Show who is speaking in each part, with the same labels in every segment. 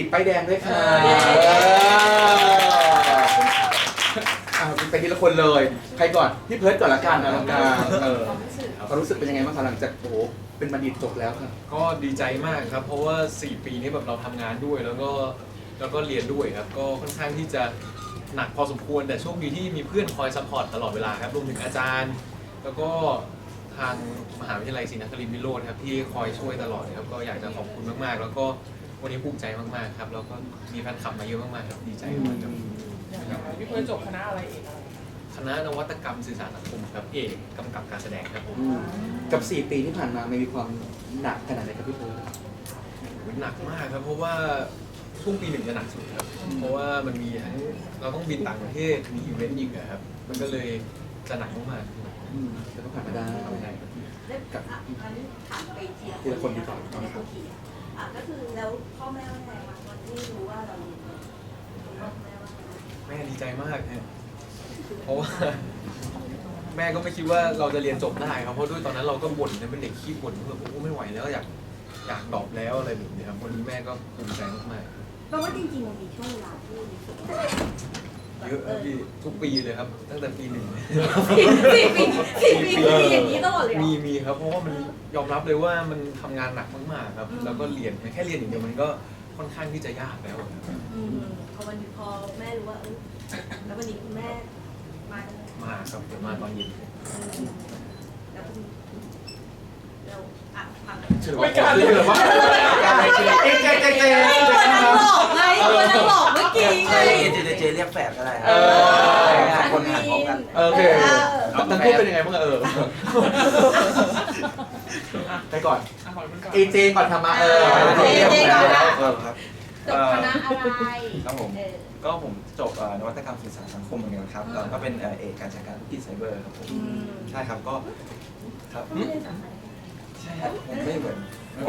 Speaker 1: ตป้ายแดงด้วยค่ะไปทีละคนเลยใครก่อนพี่เพิร์ทก่อนละกันอลังการความรู้สึกเป็นยังไงบ้างคะหลังจากโอ้โหเป็นบัณฑิตจบแล้วค่ะ
Speaker 2: ก็ดีใจมากครับเพราะว่า4 ปีนี้แบบเราทำงานด้วยแล้วก็เรียนด้วยครับก็ค่อนข้างที่จะหนักพอสมควรแต่โชคดีที่มีเพื่อนคอยซัพพอร์ตตลอดเวลาครับรวมถึงอาจารย์ แล้วก็ทางมหาวิทยาลัยศรีนครินทร์วิโรจน์ครับที่คอยช่วยตลอดครับก็อยากจะขอบคุณมากๆแล้วก็วันนี้ภูมิใจมากๆครับแล้วก็มีแฟนคลับมาเยอะมากๆครับดีใจมากครับ
Speaker 3: พี่เพิร์ทจบคณะอะไรเอกอะไร
Speaker 2: คณะนวัตกรรมสื่อสารสังคมครับเอกกำกับการแสดงครับผม
Speaker 1: กับ4 ปีที่ผ่านมามีความหนักขนาดไหนครับพี่เพิร์ท
Speaker 2: หนักมากครับเพราะว่าช่วงปี 1จะหนักสุดครับเพราะว่ามันมีทั้งเราต้องบินต่างประเทศมีอีเวนต์อีกครับมันก็เลยจะหนักมาก
Speaker 1: แต่ก็ผ่านมาได้
Speaker 4: กับอันนี้ถามไป
Speaker 1: ทีละคนดีกว่า
Speaker 4: ก็คือแล้วพ่อแม่ว่าไงวันที่รู้ว่าเรา
Speaker 2: แม่ดีใจมากฮะเพราะว่าแม่ก็ไม่คิดว่าเราจะเรียนจบได้ครับเพราะด้วยตอนนั้นเราก็บ่นเป็นเด็กขี้บ่นแบบโอ้ไม่ไหวแล้วอยากดรอปแล้วอะไรแบบนี้ครับวันนี้แม่ก็ภูมิใจมาก
Speaker 4: ๆเพราะว่าจริงๆมันมีช่วงเวลาที่
Speaker 2: เยอะครับพี่ทุกปีเลยครับตั้งแต่ปี 1
Speaker 4: 4 ปีอย่างนี้ตลอดเลย
Speaker 2: มีครับเพราะว่ามันยอมรับเลยว่ามันทำงานหนักมากๆครับแล้วก็เรียนแค่เรียนอย่างเดียวมันก็ค่อนข้างที่จะยากแล้ว
Speaker 4: พอแม่รู้ว่าแล้ววันนี้คุณแม่
Speaker 2: มาครับเดี๋ยวมาตอนเย็น
Speaker 4: แล้วพัง
Speaker 1: ไม่กล้าเลยเหรอวะเจ๊
Speaker 4: ตัวนั่งหลอกไงตัวนั่งหลอกเมื่อกี้ไง
Speaker 5: เจเรียกแฝดก็ได้
Speaker 4: คนหาพร้อมกัน
Speaker 1: โอเคทั้งคู่เป็นยังไงบ้างไปก่อนเอเจก่อนทำมา
Speaker 5: ครับ
Speaker 4: จบคณะอะไร
Speaker 5: ครับผมก็ผมจบนวัตกรรมสื่อสารสังคมเหมือนกันครับก็เป็นเอกการจัดการธุรกิจไซเบอร์ครับผมใช่ครับก็ครับใช่ครับผมไม่เหมือน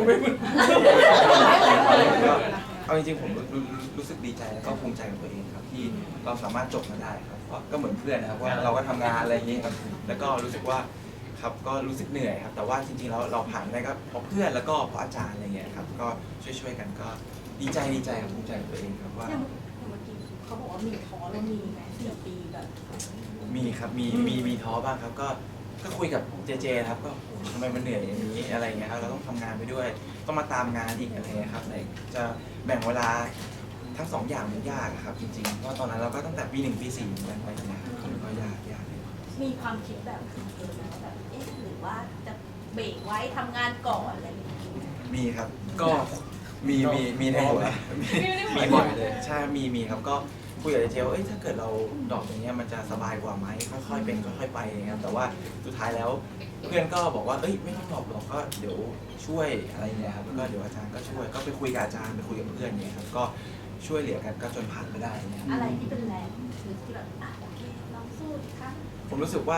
Speaker 5: เอาจริงๆผมรู้สึกดีใจแล้วก็ภูมิใจกับตัวเองครับที่เราสามารถจบมาได้ครับก็เหมือนเพื่อนนะครับว่าเราก็ทำงานอะไรอย่างนี้ครับแล้วก็รู้สึกว่าครับก็รู้สึกเหนื่อยครับแต่ว่าจริงๆเราผ่านได้ก็เพราะเพื่อนแล้วก็เพราะอาจารย์อะไรเงี้ยครับก็ช่วยกันก็ดีใจครับภูมิใจกับตัวเองครับว่า
Speaker 4: เขาบอกว่ามีท้อแล้วมีไหม4 ปีแบบ
Speaker 5: มีครับมีท้อบ้างครับก็คุยกับเจครับก็ทำไมมันเหนื่อยอย่างนี้อะไรเงี้ยครับเราต้องทำงานไปด้วยต้องมาตามงานอีกอะไรเงี้ยครับจะแบ่งเวลาทั้ง2 อย่างมันยากครับจริงๆเพราะตอนนั้นเราก็ตั้งแต่ปี 1 ปี 4กันไปนะครับก็ยากเลย
Speaker 4: มีความคิดแบบแบบหรือว่าจะเบรกไว้ทำงานก่อนอะไรอย่างเงี้ย
Speaker 5: มีครับก็มีในหัวมีบ่อยเลยใช่มีครับก็คุยกับเจว่าถ้าเกิดเราดรอปอย่างเงี้ยมันจะสบายกว่าไหมค่อยๆเป็นค่อยๆไปนะครับแต่ว่าสุดท้ายแล้วเพื่อนก็บอกว่าไม่ต้องดรอปหรอกก็เดี๋ยวช่วยอะไรเงี้ยครับแล้วก็เดี๋ยวอาจารย์ก็ช่วยก็ไปคุยกับอาจารย์ไปคุยกับเพื่อนเนี่ยครับก็ช่วยเหลือกันก็จนผ่านไปได้เนี่ย
Speaker 4: อะไรที่เป็นแรงที่แบบโอเคลองสู้อีกครั้ง
Speaker 5: ผมรู้สึกว่า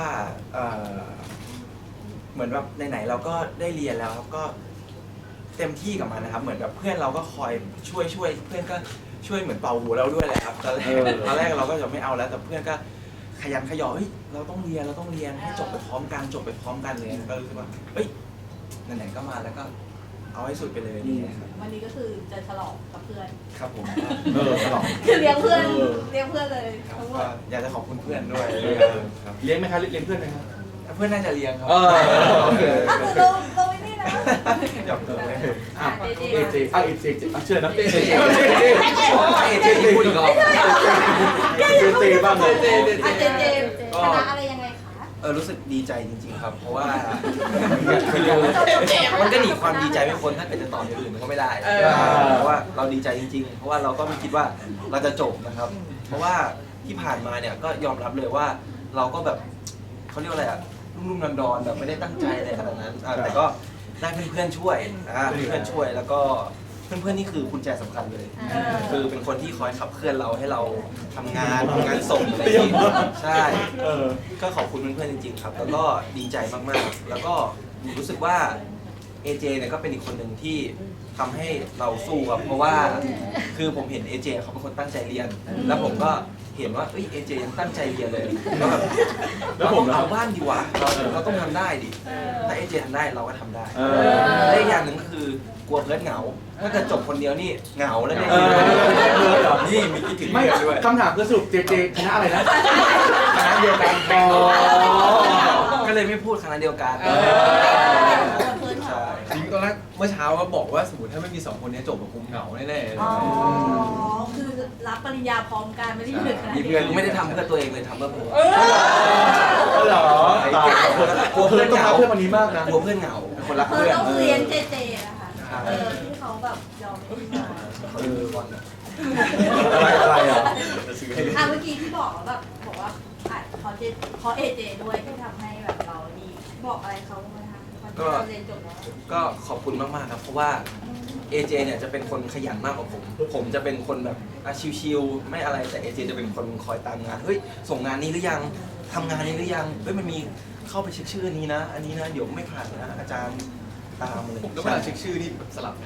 Speaker 5: เหมือนแบบไหนๆเราก็ได้เรียนแล้วครับก็เต็มที่กับมันนะครับเหมือนแบบเพื่อนเราก็คอยช่วยเพื่อนก็ช่วยเหมือนเป่าหูเราด้วยแหละครับตอนแรกเราก็จะไม่เอาแล้วแต่เพื่อนก็ขยันขยอเราต้องเรียนให้จบไปพร้อมกันเลยก็รู้สึกว่าไหนๆก็มาแล้วก็เอาให้สุดไปเลยนี่ครับ
Speaker 4: วันนี้ก็คือจะฉลองกับเพื่อน
Speaker 5: ครับผม
Speaker 1: ฉลอง
Speaker 4: คือเลี้ยงเพื่อนเลย
Speaker 5: อยากจะขอบคุณเพื่อนด้วย
Speaker 1: เลี้ยงไหมครับเลี้ยงเพื่อนไหมครับ
Speaker 5: เพื่อนน่าจะเลี้ยงครับ
Speaker 1: โอเค
Speaker 4: เราไม่ได้นะ
Speaker 5: หยอกตัวเลย
Speaker 1: เอเจเชื่อนะเจ
Speaker 5: พูดอีกรอบ
Speaker 1: เจบ้างเลย
Speaker 4: คณะอะไรยังไงคะ
Speaker 5: รู้สึกดีใจจริงๆครับเพราะว่ามันก็หนีความดีใจไม่พ้นถ้าเกิดจะตอบอย่างอื่นมันก็ไม่ได้เพราะว่าเราดีใจจริงๆเพราะว่าเราก็ไม่คิดว่าเราจะจบนะครับเพราะว่าที่ผ่านมาเนี่ยก็ยอมรับเลยว่าเราก็แบบเขาเรียกว่าอะไรรุ่มๆดอนๆแบบไม่ได้ตั้งใจอะไรขนาดนั้นแต่ก็ได้เพื่อนๆช่วยแล้วก็เพื่อนๆนี่คือกุญแจสำคัญเลยคือเป็นคนที่คอยขับเคลื่อนเราให้เราทำงานส่งอะไรอย่างนี้ใช่ก็ขอบคุณเพื่อนๆจริงๆครับแล้วก็ดีใจมากๆแล้วก็รู้สึกว่าเอเจเนี่ยก็เป็นอีกคนหนึ่งที่ทำให้เราสู้ครับเพราะว่าคือผมเห็นเอเจเขาเป็นคนตั้งใจเรียนแล้วผมก็เห็นว่าเอเจยังตั้งใจเรียนเลยแล้วแบบเราต้องเอาบ้านดีกว่าเราต้องทำได้ดิถ้าเอเจทำได้เราก็ทำได้และอีกอย่างหนึ่งคือกลัวเพื่อนเหงา ถ้าเกิดจบคนเดียวนี่เหงาแล้วเนี่ย นี่มีคิดถึง
Speaker 1: ไม่
Speaker 5: เพื่อนด้วย
Speaker 1: คำถามคือสรุปเจเจคณะอะไรนะ
Speaker 5: คณะเดียวกัน
Speaker 1: อ๋อ
Speaker 5: ก็เลยไม่พูดคณะเดียวกัน ใช่
Speaker 2: จริงตอนแรกเมื่อเช้าก็บอกว่าสมมติถ้าไม่มี2คนนี้จบแบบคงเหงาแน่ๆเลย
Speaker 4: อ๋อ คือรับปริญญาพร้อมกันไม่ได้อยู่ในคณะ
Speaker 5: มี
Speaker 4: เดี
Speaker 5: เพื่
Speaker 4: ย
Speaker 5: อ
Speaker 4: วน กัน
Speaker 5: ไม่ได้ทำเพื่อตัวเองเลยทำเพื่อผม
Speaker 1: เหรอ
Speaker 5: กลัว
Speaker 1: เพื่
Speaker 5: เพื่
Speaker 1: อ
Speaker 5: อน น
Speaker 1: ต้อง
Speaker 5: เหงา
Speaker 1: รักเพื่อนวันนี้มากนะ
Speaker 5: กลัวเพื่อนเหงาคนรัก
Speaker 4: เธอ
Speaker 5: เพื่อน
Speaker 4: ต้องเรียนเจเจนะคะที่เขาแบบยอมให้มา
Speaker 5: เขาดูบอล
Speaker 1: อะไรอ่ะ
Speaker 4: เมื่อกี้ที่บอกแบบบอกว่าเพราะเอเจด้วยที่ทำให้แบบเราดีบอกอะไรเขาไหมคะตอนที่เราเรียนจบแล้ว
Speaker 5: ก็ขอบคุณมากๆครับเพราะว่า AJ เนี่ยจะเป็นคนขยันมากกว่าผมจะเป็นคนแบบชิวๆไม่อะไรแต่ AJ จะเป็นคนคอยตามงานเฮ้ยส่งงานนี้หรือยังทำงานนี้หรือยังเฮ้ยมันมีเข้าไปเช็คชื่อนี้นะ อันนี้นะเดี๋ยวไม่ผ่านนะอาจารย์ตามเลย
Speaker 2: ผมแล้วเวลาเช็คชื่อนี่แบบสลับ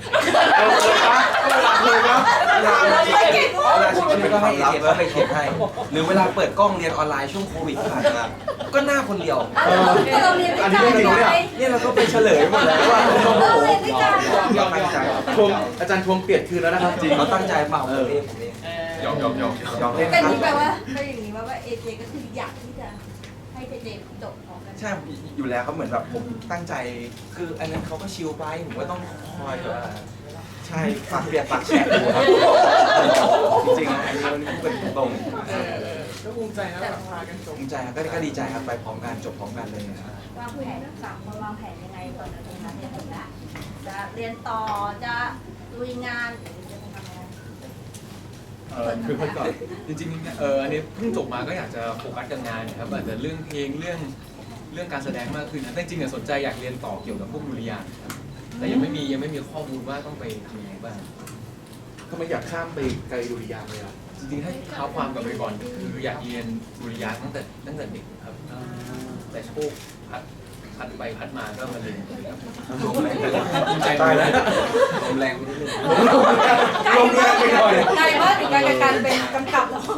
Speaker 1: เลยปะ
Speaker 5: เวลาเช็คชื่อก็ให้ AJ เขาไปเช็คให้หรือเวลาเปิดกล้องเรียนออนไลน์ช่วงโควิดที่ผ่านมาก็หน้าคนเดียว
Speaker 4: เราเรียนด้วยกันไง
Speaker 5: เนี่ยเราก็ไปเฉลยหมดแล้วว่า
Speaker 4: เราเรียนด้วยกัน
Speaker 5: เราตั้งใจ
Speaker 1: ทวงอาจารย์ทวงเปลี่ยนคืนแล้วนะครับจริง
Speaker 5: เราตั้งใจเปล่าผมเอง
Speaker 2: ยอม
Speaker 5: ยอมเล่น
Speaker 4: แต่
Speaker 5: ครับ
Speaker 4: นี่แปลว่าถ้าอย่างนี้ว่าเอเจก็คืออยากที่จะให้เจเจจบพร้อมกัน
Speaker 5: ใช่อยู่แล้วเขาเหมือนแบบผมตั้งใจคืออันนั้นเขาก็ชิลไปผมก็ต้องคอยแบบว่าใช่ฝากเปียกฝากแฉะอยู่ครับจริงๆนะอันนี้มันเป็นตรง
Speaker 3: ก็ภูมิใจนะแบบพากันจบ
Speaker 5: ภูมิใจครับก็ดีใจครับไปพร้อมกันจบพร้อมกันเลยนะครับ
Speaker 4: วางแผน3 คนวางแผนยังไงก่อนนะตรงนั้นเรียนจบแล้วจะเรียนต่อจะลุยงานหรือจะทำอะไร
Speaker 1: คือคนก่อน
Speaker 2: จริงๆอันนี้เพิ่งจบมาก็อยากจะโฟกัสกับงานนะครับอาจจะเรื่องเพลงเรื่องการแสดงมากขึ้นนะแต่จริงๆสนใจอยากเรียนต่อเกี่ยวกับพวกดุริยางค์ครับแต่ยังไม่มีข้อมูลว่าต้องไปทำยังไงบ้าง
Speaker 1: ทำไมอยากข้ามไปไกลดุริยางค์เลยอ่ะ
Speaker 2: จริงๆให้เท้าความกลับไปก่อนคืออยากเรียนดุริยางค์ตั้งแต่เด็กครับแต่โชคพัดไปพัดมาก็มาเรียนครับ
Speaker 5: ลมแรง
Speaker 2: ภูมิใจ
Speaker 1: ตาย
Speaker 2: เล
Speaker 1: แล้
Speaker 2: ยว
Speaker 5: ลมแรงไปนิดนึง
Speaker 1: ลงแรงไปหน่อย
Speaker 4: ไกลมากถึงการเป็นกำกับแล้ว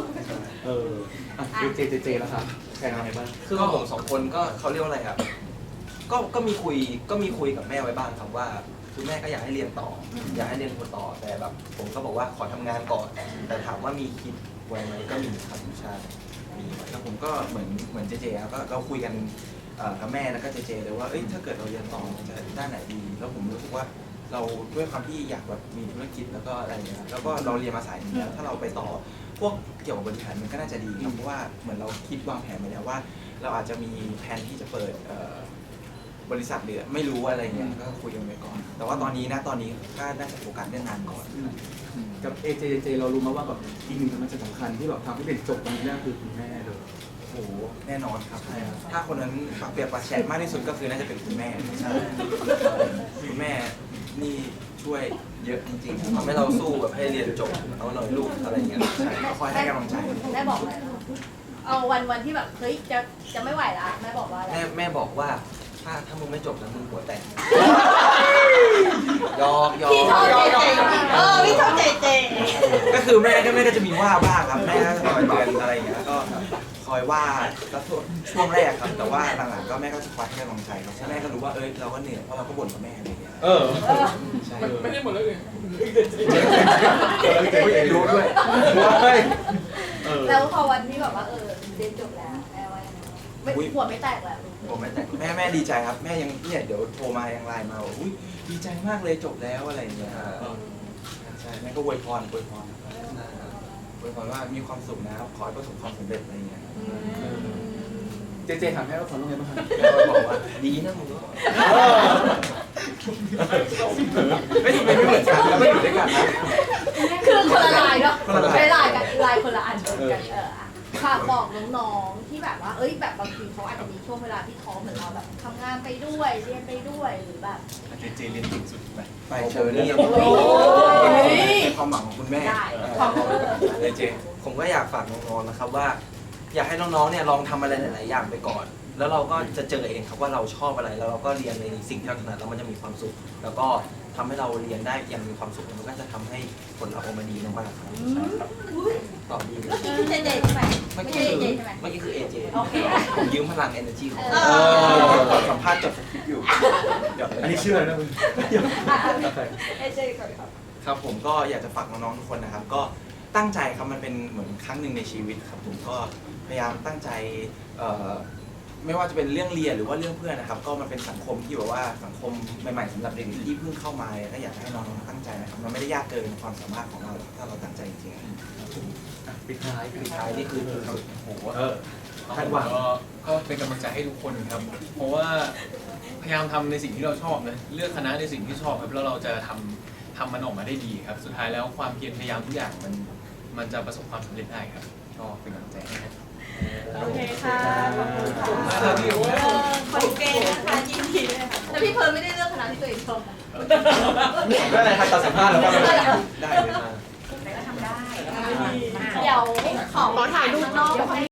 Speaker 1: เจแล้วครับแข่งอะไรบ้าง
Speaker 5: คือของผม2 คนก็เขาเรียกว่าอะไรครับก็มีคุยกับแม่ไว้บ้างครับว่าคุณแม่ก็อยากให้เรียนต่อ อยากให้เรียนต่อแต่แบบผมก็บอกว่าขอทำงานก่อน แต่ถามว่ามีคิดไว้ไหมก็มีครับใช่มีแล้วผมก็เหมือนเจเจครับก็เราคุยกันกับแม่แล้วก็เจเจเลยว่าเอ้ยถ้าเกิดเราเรียนต่อจะด้านไหนดี แล้วผมรู้สึกว่าเราด้วยความที่อยากแบบมีธุรกิจแล้วก็อะไรอย่างเงี้ยแล้วก็เราเรียนมาสายนี้แล้วถ้าเราไปต่อพวกเกี่ยวกับบริหารมันก็น่าจะดีครับเพราะว่าเหมือนเราคิดวางแผนไว้แล้วว่า เราอาจจะมีแผนที่จะเปิดบริษัทหรือไม่รู้อะไรเงี้ยก็คุยกันไปก่อน แต่ว่าตอนนี้ก็น่าจะโฟกัสเรื่องงานก่อน
Speaker 1: กับเจเรารู้มาว่าแบบอีกหนึ่งมันจะสำคัญที่แบบทำให้เป็นจบตรงนี้นั่นคือคุณแม่เลย
Speaker 5: โอ้โหแน่นอนครับถ้าคนนั้นปากเปียกปากแฉะมากที่สุดก็คือน่าจะเป็นคุณแม่ใช่คุณแม่นี่ช่วยเยอะจริงๆทำให้เราสู้แบบให้เรียนจบเอาหน่อยลูกอะไรเงี้ยใช่ก็คอยให้กำลังใจ
Speaker 4: แม่บอกอะไรเอาวันที่แบบเฮ้ยจะไม่ไหวละแม่บอกว่าอะไร
Speaker 5: แม่บอกว่าถ้ามึงไม่จบแล้วมึงหัวแตกยอก
Speaker 4: พี่ชอบเจเจพี่ชอบเจเจ
Speaker 5: ก็คือแม่ก็จะมีว่าบ้างครับแม่ก็จะคอยเตือนอะไรอย่างเงี้ยก็คอยว่าแล้วช่วงแรกครับแต่ว่าหลังๆก็แม่ก็จะคอยให้กำลังใจครับแม่ก็รู้ว่าเราก็เหนื่อยเพราะเราก็บ่นกับแม่อะไรอย่างเงี้ย ใช่
Speaker 3: ไม่ได้หมดแล้วเลย
Speaker 5: รู้ด้วย
Speaker 4: แล้วพอวันที่แบบว่าเรียนจบแล้วแม่ว่ายังไงไม่หัวไม่แตกแล้ว
Speaker 5: ผมแม่ดีใจครับแม่ยังเนี่ยเดี๋ยวโทรมายังไลน์มาว่าอุ้ยดีใจมากเลยจบแล้วอะไรอย่างเงี้ยใช่แม่ก็อวยพรอวยพรว่ามีความสุขนะขอให้ประสบความสำเร็จอะไรอย่างเงี้ย
Speaker 1: เจถามแม่ว่าคนต้องไงบ้างครับ
Speaker 5: แม่ก็บอกว่าดีนะมึงก็ไม่ทำไมไม่เหมือนกันแล้วไม่อยู่ด้วยกันนะ
Speaker 4: คือคนละลายเนาะ
Speaker 5: คนละลาย
Speaker 4: ไม่ลายกันลายคนละอันเหมือนกันฝากบอกน้องๆที่แบบว่าแบบบางทีเขาอาจจะมีช่วงเวลาที่ท้อเหมือนเราแบบทำงานไปด้วยเรียนไปด้วยหรือแบบ
Speaker 2: เจเรียนเก่งสุดไป
Speaker 5: ไปเชิญนี่
Speaker 4: โอ้ย
Speaker 5: เป็นความหวังของคุณแม่
Speaker 4: ได้ความเออ
Speaker 5: เจผมก็อยากฝากน้องๆนะครับว่า อยากให้น้องๆเนี่ยลองทำอะไรหลายๆอย่างไปก่อน แล้วเราก็จะเจอเองครับว่าเราชอบอะไรแล้วเราก็เรียนในสิ่งที่เราถนัดแล้วมันจะมีความสุข แล้วก็ทำให้เราเรียนได้อย่างมีความสุขมันก็จะทำให้ผลลัพธ์ออกมาดีมากๆครับใช่ครับตอบดีเลย
Speaker 4: เมื่อกี้คือเจเจใช่ไหมไม่ใช่เจเจใช่ไหม
Speaker 5: เมื่อกี้คือ AJ
Speaker 4: โอเค
Speaker 5: ผมยืมพลัง energy ของ
Speaker 4: เอ
Speaker 5: ก่อนสัมภาษณ์จบอยู่เดี๋ยว
Speaker 1: อันนี้เชื่อนะมึง
Speaker 4: เอเจก่อนครับ
Speaker 6: ครับผมก็อยากจะฝากน้องๆทุกคนนะครับ ก็ตั้งใจครับมันเป็นเหมือนครั้งหนึ่งในชีวิตครับผมก็พยายามตั้งใจไม่ว่าจะเป็นเรื่องเรียนหรือว่าเรื่องเพื่อนนะครับ ก็มันเป็นสังคมที่แบบว่าสังคมใหม่ๆสำหรับเด็กที่เพิ่งเข้ามาก็อยากให้น้องๆตั้งใจนะครับมันไม่ได้ยากเกินความสามารถของเราถ้าเราตั้งใจจริงๆ
Speaker 1: ปิดท้าย
Speaker 5: สุดท้ายนี่คือ
Speaker 2: โอ้โห
Speaker 1: คาดหวัง
Speaker 2: ก็เป็นกำลังใจให้ทุกคนครับ เพราะว่าพยายามทำในสิ่งที่เราชอบนะเลือกคณะในสิ่งที่ชอบครับแล้วเราจะทำมันออกมาได้ดีครับ สุดท้ายแล้วความเพียรพยายามทุกอย่างมันจะประสบความสำเร็จได้ครับก็เป็นกำลังใจให้ครับ
Speaker 4: โอเคค่ะขอบคุณค่ะ
Speaker 2: ครับพี่โอ้ย
Speaker 4: คอนเกนนะคะยินดีด้วยค่ะแต่พี่เพิร์ลไม่ได้เลือกคณะที่ตัวเองชอบนะ
Speaker 1: ไม่เป็นไรครับตอนสัมภาษณ์แล้วก็
Speaker 6: ได้เลย
Speaker 4: แต่ก็ทำได้ เดี๋ยวขอถ่ายรูปนอก